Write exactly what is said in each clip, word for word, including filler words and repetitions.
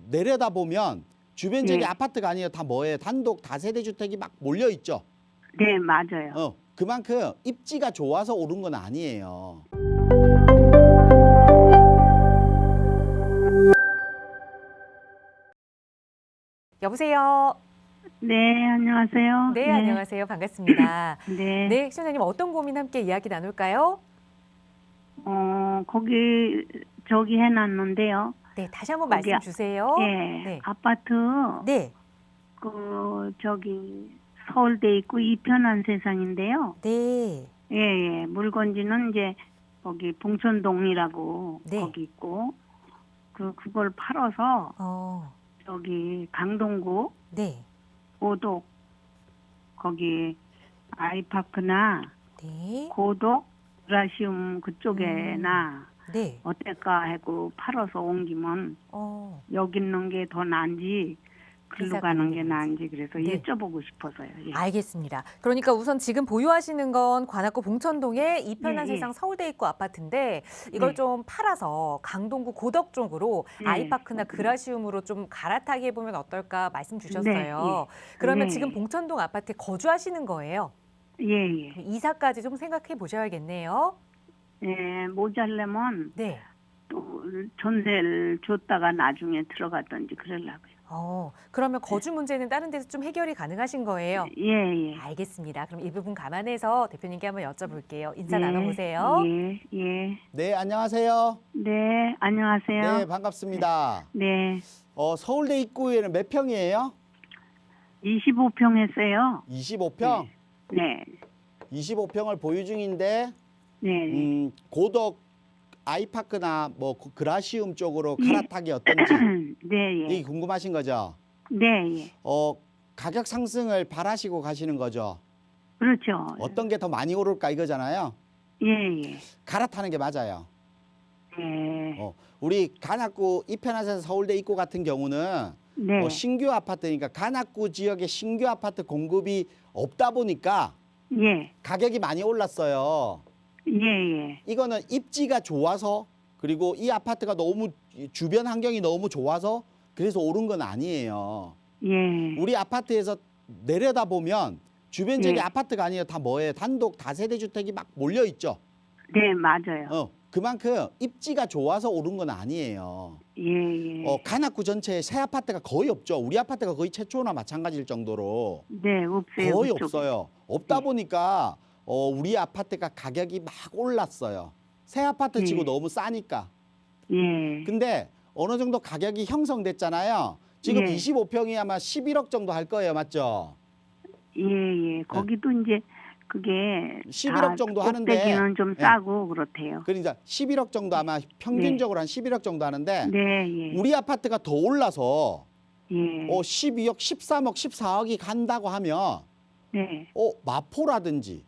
내려다보면 주변 지역에 네. 아파트가 아니에요. 다 뭐예요? 단독 다세대 주택이 막 몰려 있죠. 네, 맞아요. 어, 그만큼 입지가 좋아서 오른 건 아니에요. 여보세요. 네, 안녕하세요. 네, 안녕하세요. 반갑습니다. 네. 네, 시청자님 어떤 고민 함께 이야기 나눌까요? 어, 거기 저기 해놨는데요. 네, 다시 한번 거기 말씀 아- 주세요. 예, 네. 아파트 네, 그 저기 서울대 있고 이편한 세상인데요. 네, 예, 예. 물건지는 이제 거기 봉천동이라고 네. 거기 있고 그 그걸 팔아서 어, 저기 강동구 네, 고독 거기 아이파크나 네, 고독 브라시움 그쪽에나 네. 어떨까 하고 팔아서 옮기면 어, 여기 있는 게 더 나은지 글로 이사 가는 가는 게 게 나은지 그래서 네. 여쭤보고 싶어서요. 예. 알겠습니다. 그러니까 우선 지금 보유하시는 건 관악구 봉천동의 이편한 예, 예. 세상 서울대 입구 아파트인데 이걸 네. 좀 팔아서 강동구 고덕 쪽으로 네. 아이파크나 그라시움으로 좀 갈아타게 해보면 어떨까 말씀 주셨어요. 네, 그러면 네. 지금 봉천동 아파트에 거주하시는 거예요? 예, 예. 그럼 이사까지 좀 생각해 보셔야겠네요. 예, 모자려면 네. 또 전세를 줬다가 나중에 들어갔던지 그러려고요. 어, 그러면 거주 문제는 다른 데서 좀 해결이 가능하신 거예요? 예, 예. 알겠습니다. 그럼 이 부분 감안해서 대표님께 한번 여쭤볼게요. 인사 네, 나눠보세요. 예, 예. 네, 안녕하세요. 네, 안녕하세요. 네, 반갑습니다. 네, 어, 서울대 입구에는 몇 평이에요? 이십오 평 했어요. 이십오 평? 네, 이십오 평을 보유 중인데 네. 음, 고덕 아이파크나 뭐 그- 그라시움 쪽으로 예. 갈아타기 어떤지 네, 이게 예. 궁금하신 거죠? 네, 예. 어, 가격 상승을 바라시고 가시는 거죠? 그렇죠. 어떤 게 더 많이 오를까 이거잖아요. 예, 예. 갈아타는 게 맞아요. 예. 어, 우리 관악구 이편한에서 서울대 입구 같은 경우는 네. 뭐 신규 아파트니까 관악구 지역에 신규 아파트 공급이 없다 보니까 예. 가격이 많이 올랐어요. 예, 예. 이거는 입지가 좋아서 그리고 이 아파트가 너무 주변 환경이 너무 좋아서 그래서 오른 건 아니에요. 예. 우리 아파트에서 내려다보면 주변 지역에 예. 아파트가 아니에요. 다 뭐예요? 단독 다세대 주택이 막 몰려 있죠. 네, 맞아요. 어, 그만큼 입지가 좋아서 오른 건 아니에요. 예, 예. 어, 관악구 전체에 새 아파트가 거의 없죠. 우리 아파트가 거의 최초나 마찬가지일 정도로 네, 없어요. 거의 그쪽에. 없어요. 없다 네. 보니까 어, 우리 아파트가 가격이 막 올랐어요. 새 아파트 치고 네. 너무 싸니까. 예. 근데 어느 정도 가격이 형성됐잖아요. 지금 예. 이십오 평이 아마 십일억 정도 할 거예요. 맞죠? 예, 예. 거기도 이제 그게 십일억 다 정도 하는데 꼭대기는 좀 예. 싸고 그렇대요. 그러니까 십일억 정도 아마 평균적으로 한 십일억 정도 하는데 네, 예. 우리 아파트가 더 올라서 예. 어, 십이억, 십삼억, 십사억이 간다고 하면 네. 어, 마포라든지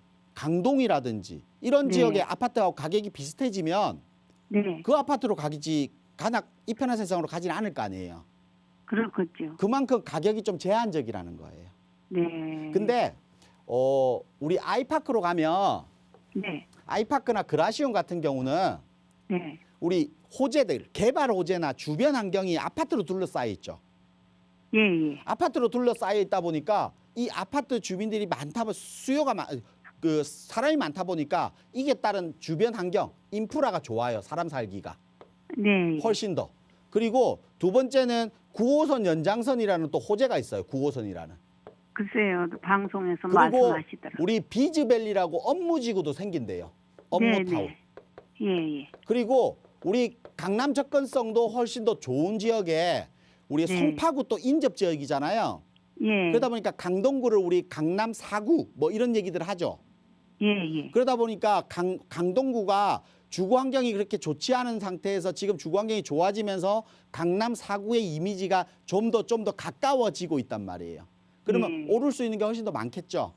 강동이라든지 이런 네. 지역의 아파트하고 가격이 비슷해지면 네. 그 아파트로 가기지 관악 이편한 세상으로 가지는 않을 거 아니에요. 그렇겠죠. 그만큼 가격이 좀 제한적이라는 거예요. 네. 근데 어, 우리 아이파크로 가면 네. 아이파크나 그라시움 같은 경우는 네. 우리 호재들, 개발 호재나 주변 환경이 아파트로 둘러싸여 있죠. 예, 예. 아파트로 둘러싸여 있다 보니까 이 아파트 주민들이 많다 보 수요가 많, 그 사람이 많다 보니까 이게 따른 주변 환경, 인프라가 좋아요. 사람 살기가 네. 예. 훨씬 더. 그리고 두 번째는 구 호선 연장선이라는 또 호재가 있어요. 구 호선이라는. 글쎄요. 방송에서 그리고 말씀하시더라고요. 우리 비즈밸리라고 업무지구도 생긴대요. 업무타운. 네, 네. 예, 예. 그리고 우리 강남 접근성도 훨씬 더 좋은 지역에 우리 네. 성파구 또 인접 지역이잖아요. 예. 그러다 보니까 강동구를 우리 강남 사구 뭐 이런 얘기들 하죠. 예, 예. 그러다 보니까 강, 강동구가 주거 환경이 그렇게 좋지 않은 상태에서 지금 주거 환경이 좋아지면서 강남 사구의 이미지가 좀 더 좀 더 가까워지고 있단 말이에요. 그러면 네. 오를 수 있는 게 훨씬 더 많겠죠.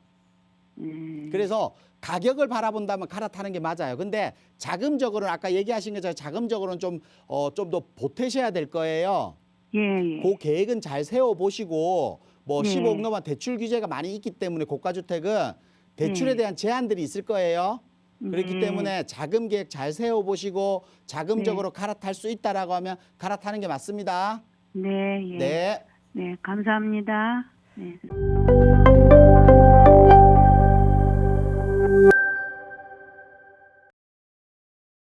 음. 그래서 가격을 바라본다면 갈아타는 게 맞아요. 근데 자금적으로는 아까 얘기하신 것처럼 자금적으로는 좀 어, 좀 더 보태셔야 될 거예요. 예, 예. 그 계획은 잘 세워보시고 뭐 네. 십오억 넘어 대출 규제가 많이 있기 때문에 고가주택은 대출에 네. 대한 제한들이 있을 거예요. 그렇기 네. 때문에 자금 계획 잘 세워보시고 자금적으로 네. 갈아탈 수 있다라고 하면 갈아타는 게 맞습니다. 네, 예. 네. 네, 감사합니다. 네.